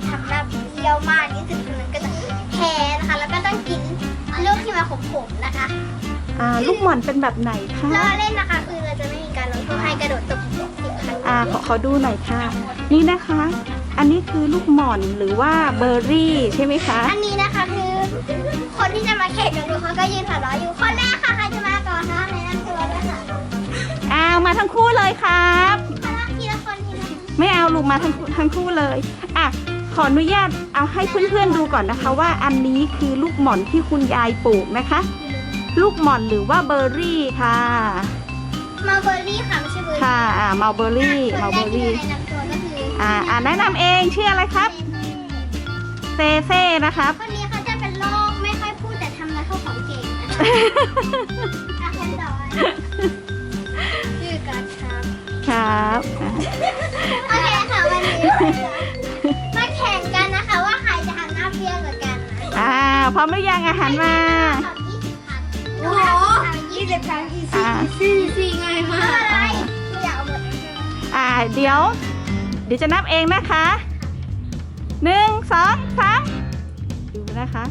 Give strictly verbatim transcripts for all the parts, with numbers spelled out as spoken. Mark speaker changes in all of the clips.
Speaker 1: ทำหน้าเปรี้ยวมากที่สุดคือมันก็จะแพ้นะคะแล้วก็ต้องกินลูกที่มาขมๆนะคะ
Speaker 2: อ่าลูกหม่อนเป็นแบบไหนคะ
Speaker 1: เราเล่นนะคะคือเราจะไม่มีการลงโทษให้กระโดดตบสิบครั้ง
Speaker 2: อ่าขอขอดูหน่อยค่ะนี่นะคะ อันนี้คือลูกหม่อนหรือว่าเบอร์รี่ใช่ไหมคะ
Speaker 1: อันนี้นะคะคือคนที่จะมาแข่งกันดูเขาก็ยืนหัวเราะอยู่คนแรกค่ะใครจะมาก่อนคะในนั้นตัวด้วยค่ะ
Speaker 2: อ้าวมาทั้งคู่เลยครับ
Speaker 1: ทีละคนทีละคน
Speaker 2: ไม่เอาลูกมาทั้งทั้งคู่เลยอ่ะขออนุญาตเอาให้เพื่อนๆดูก่อนนะคะว่าอันนี้คือลูกหม่อนที่คุณยายปลูกนะคะลูกหม่อนหรือว่าเบอร์รี่ค่ะ
Speaker 1: มาเบอร์รี่ค่ะไม่ใช่เบอร์รี่
Speaker 2: ค่ะอ่ามาเบอร์รี่มาเบอร์รี่อ่าอ่าแนะนำเองชื่ออะไรครับเซเซ่นะครับ
Speaker 1: คนนี้เขาจะเป็นโรคไม่ค่อยพูดแต่ทำอะไรเข้าของเก่งนะคะคนต่อไปชื่อการครับ
Speaker 2: ครับ
Speaker 1: โอเคค่ะวันนี้มาแข่งกันนะคะว่าใครจะทำหน้าเปรี้ยวกว่ากันนะ
Speaker 2: อ่าพร้อมหรือยังอาหารมา
Speaker 1: โอ้โหยี่สิบครั้งอีซี่อีซี่อีซี่ง่ายมากอะไรอยากเอาหมด
Speaker 2: อ่าเดี๋ยวเดี๋ยวจะนับเองนะคะหนึ่งสองสามดูนะคะ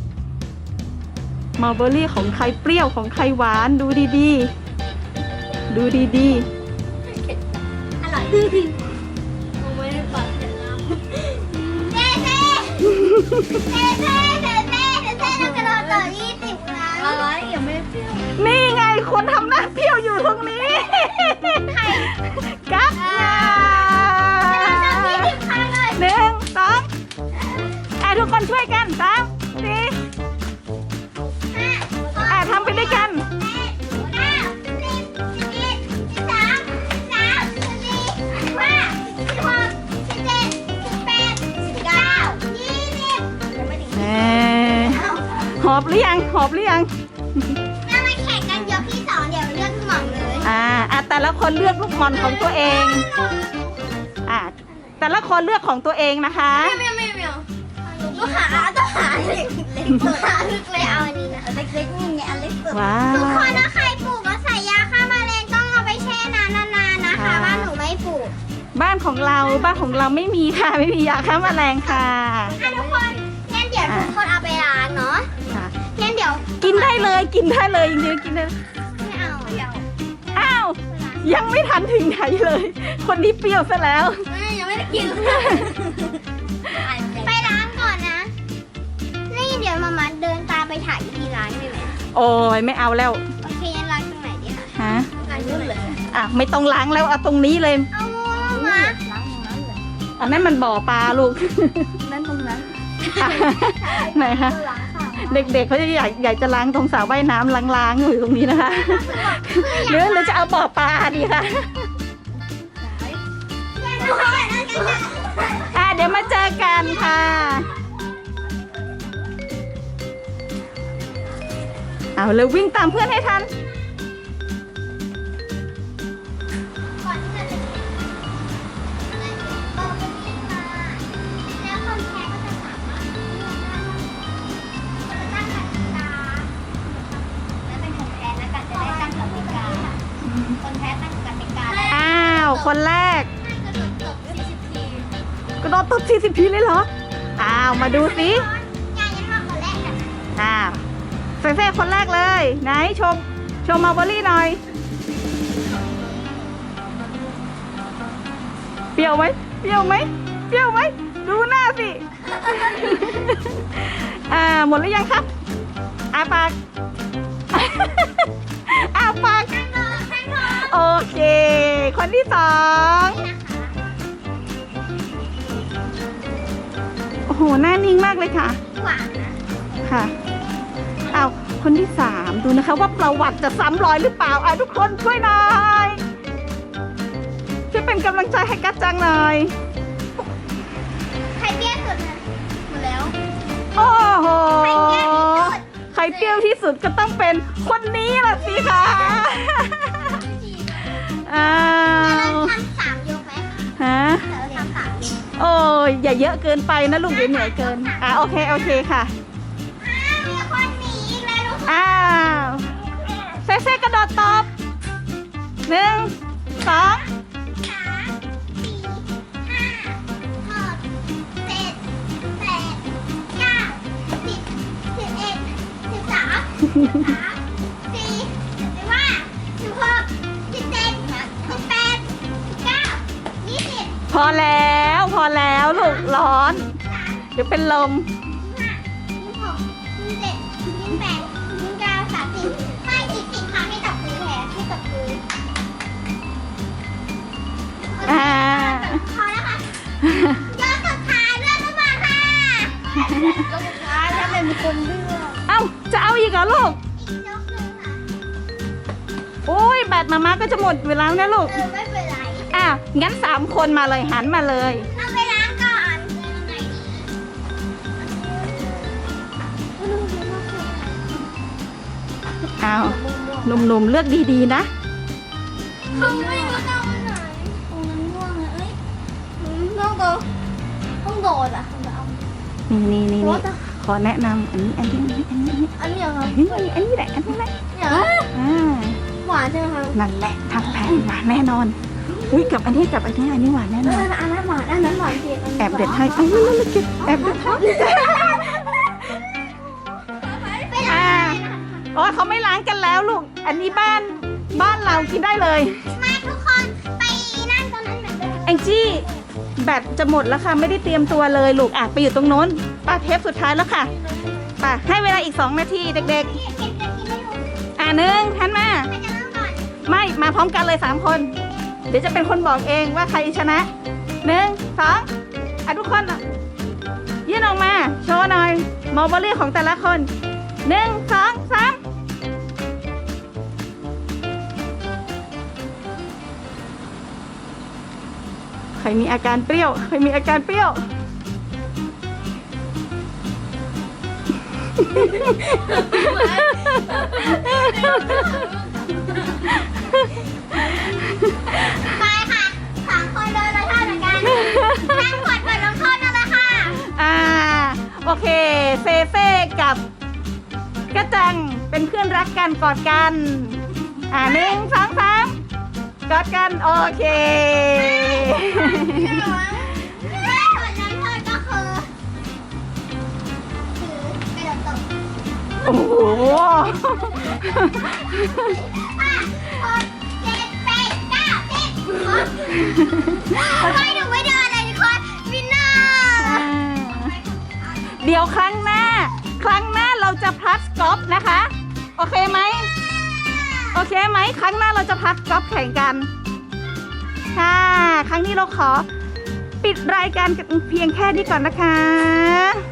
Speaker 2: มัลเบอรี่ของใครเปรี้ยวของใครหวานดูดีๆดูดี
Speaker 1: ๆอร่อยไม่ได้ปากเสร็จแล้วเจ๊เจ๊เจ๊เจ๊เจ๊เจ๊เจ๊เรากระโดดต่อยี่สิบครั้งอะไรยังไม่เปรี้ยว
Speaker 2: นี่ไงคนทำหน้าเปรี้ยวอยู่ตรงนี้
Speaker 1: ใคร
Speaker 2: กั๊กหนึ่งสองอ่ะทุกคนช่วยกันสามสี่อ่ะทำไปด้วยกันหอบหรือยังหอบหรือยัง
Speaker 1: เรามาแข่งกันยกที่สองเดี๋ยวเลือกหม่อนเลย
Speaker 2: อ่าอ่ะแต่ละคนเลือกลูกหม่อนของตัวเองอ่ะแต่ละคนเลือกของตัวเองนะคะ
Speaker 1: ไม่ไม่ไม่ต้องหาต้องหาเล็กเล็กตัวเล็กเลยเอาอันนี้นะเล็กเล็กนี่ไงอันเล็กสุดทุกคนถ้าใครปลูกก็ใส่ยาฆ่าแมลงต้องเอาไปแช่น้ำนานๆนะคะบ้านหนูไม่ปลูก
Speaker 2: บ้านของเราบ้านของเราไม่มีค่ะไม่มียาฆ่าแมลงค่ะ
Speaker 1: อ่ะทุกคนงั้นเดี๋ยวทุกคนเอาไปล้างเนาะงั้นเดี๋ยว
Speaker 2: กินได้เลยกินได้เลยจริงๆกินได้
Speaker 1: ไม่เอาเดี๋ยว
Speaker 2: อ้าวยังไม่ทันถึงไหนเลยคนนี้เปรี้ยวซะแล้ว
Speaker 1: ยังไม่ได้กินไปล้างก่อนนะนี่เดี๋ยวมามาเดินตามไปถ่ายที่ร้านได้ไหม
Speaker 2: โอ้ยไม่เอาแล้ว
Speaker 1: โอเคงั้นล้างตรงไหนดีคะ
Speaker 2: ฮะ
Speaker 1: ล้างนู่นเลย
Speaker 2: อ่ะไม่ต้องล้างแล้วเอาตรงนี้เลย
Speaker 1: เอามาล้างตรงนั้นเลย
Speaker 2: อันนั้นมันบ่อปลาลูก
Speaker 1: นั่นตรงนั้น
Speaker 2: ไหนคะเด็กๆเขาจะอยากอยากจะล้างตรงสระว่ายน้ำล้างๆอยู่ตรงนี้นะคะหรือหรือจะเอาบ่อปลาดีคะอ่ะเดี๋ยวมาเจอกันค่ะเอาเลยวิ่งตามเพื่อนให้ทันอ้าวคนแรกกระโดดตบสี่สิบทีเลยเหรออ้าวมาดูสิอ้าวเซ่ๆคนแรกเลยไหนชมชมมาเบอรี่หน่อยเปรี้ยวไหมเปรี้ยวไหมเปรี้ยวไหมดูหน้าสิอ่าหมดหรือยังครับอาปากอาปากโอเคคนที่สองโอ้โหหน้านิ่งมากเลยค่ะ
Speaker 1: หวานนะ
Speaker 2: ค่ะเอาคนที่สามดูนะคะว่าประวัติจะซ้ำรอยหรือเปล่าอ่ะทุกคนช่วยหน่อยช่วยเป็นกำลังใจให้กัจจังหน่อย
Speaker 1: ใครเปรี้ยวสุดนะหมดแล้ว
Speaker 2: โอ้โห
Speaker 1: ใครเปรี้ยวที่สุด
Speaker 2: ใครเปรี้ยวที่สุดก็ต้องเป็นคนนี้ล่ะสิคะอ้าว
Speaker 1: ทำสามยกไหม
Speaker 2: ฮะ
Speaker 1: ทำสามยก
Speaker 2: โอ้ยอย่าเยอะเกินไปนะลูกเดี๋ยวเหนื่อยเกินอ่ะโอเคโอเคค่ะ
Speaker 1: มีคนหนีอีกแล้วทุกคน
Speaker 2: อ้าวเซ่เซ่กระโดดตบหนึ่งสอง
Speaker 1: สามสี่ห้าหกเจ็ดสี่สิบห้าสิบหกสิบเจ็ดสิบแปดสิบเก้ายี่สิบ
Speaker 2: พอแล้วพอแล้วลูกร้อน เดี๋ยวเป็นลม
Speaker 1: ยี่สิบหกยี่สิบเจ็ดยี่สิบแปดยี่สิบเก้าสามสิบให้อีกสิบครั้งให้ตบมือแทนให้ตบมือ
Speaker 2: อ่า
Speaker 1: พอแล้วค่ะยอดสุดท้ายเลือกขึ้นมาค่ะยอดสุดท้ายแล้วเป็นคนเลือก
Speaker 2: เอ้าจะเอาอีกเหรอลูก
Speaker 1: อีกยกหนึ่งค่ะ
Speaker 2: โอ้ยแบตมาม่าก็จะหมดเวลาแล้วนะลูก
Speaker 1: เออไม่เป็นไร
Speaker 2: อ่ะงั้นสามคนมาเลยหันมาเลย
Speaker 1: เอาไปล้างก่อนยังไงดี
Speaker 2: อ้าวหนุ่มๆเลือกดีๆนะ
Speaker 1: เขาไม่รู้จะเอาไหนตรงนั้นง่วงอะเอ้ยต้องโดนต้องโดนอ่ะต้องเอา
Speaker 2: นี่นี่นี่นี่ขอแนะนำอันนี้อันนี้อันนี้อันนี้
Speaker 1: อันนี้เหรอ
Speaker 2: เฮ้ยอันนี้แหละอันนี้แหละ
Speaker 1: เนี่ย
Speaker 2: อ่า
Speaker 1: หวานใช่ไหมคะ
Speaker 2: นั่นแหละทำแผนหวานแน่นอนอุ้ยกับอันนี้กับอันนี้อันนี้หวานแน่น
Speaker 1: เอ
Speaker 2: อน
Speaker 1: ออันนั้นหวานอันนั้นหวานจริง
Speaker 2: แอบเด็ดให้เอ้ยนั่นนั่นเก็บแอบเด็ดให้
Speaker 1: ไปล้าง
Speaker 2: โอ้ยเขาไม่ล้างกันแล้วลูก อันนี้บ้านบ้านเรากินได้เลย
Speaker 1: มาทุกคนไปนั่งตรงนั้นเหมือนเดิม
Speaker 2: แองจี้แบตจะหมดแล้วค่ะไม่ได้เตรียมตัวเลยลูกอ่ะไปอยู่ตรงโน้นป้าเทปสุดท้ายแล้วค่ะไป่ะให้เวลาอีกสองนาทีเด็ก
Speaker 1: เก็บเก็บเก็บกินไม่รู้
Speaker 2: ๆ อ่ะหนึ่งทันมา
Speaker 1: ใครจะเริ่มก่อน
Speaker 2: ไม่มาพร้อมกันเลยสามคน เดี๋ยวจะเป็นคนบอกเองว่าใครชนะหนึ่งสองอ่ะทุกคนอ่ะยื่นออกมาโชว์หน่อยมอลเบอรี่ของแต่ละคนหนึ่งสองสามใครมีอาการเปรี้ยวใครมีอาการเปรี้ยว
Speaker 1: ไปค่ะสามคนโดนละท่าเหมือนกันนั่งกดบทลงโทษนั่นแหละค่ะ
Speaker 2: อ่าโอเคเฟเฟ่กับกระจังเป็นเพื่อนรักกันกอดกันอ่าหนึ่งสองสามกอดกันโอเค
Speaker 1: ถ้าบทลงโทษก็คือถือกระโดดตบ
Speaker 2: โอ้โห
Speaker 1: ห้าหกเจ็ดแปดเก้าสิบทำไมหนูไม่เดินเลยทุกคนวินเนอร์
Speaker 2: อ่าเดี๋ยวครั้งหน้า ครั้งหน้าเราจะพัดกอล์ฟนะคะ โอเคไหมโอเคไหมครั้งหน้าเราจะพัดกอล์ฟแข่งกันค่ะครั้งนี้เราขอปิดรายการเพียงแค่นี้ก่อนนะคะ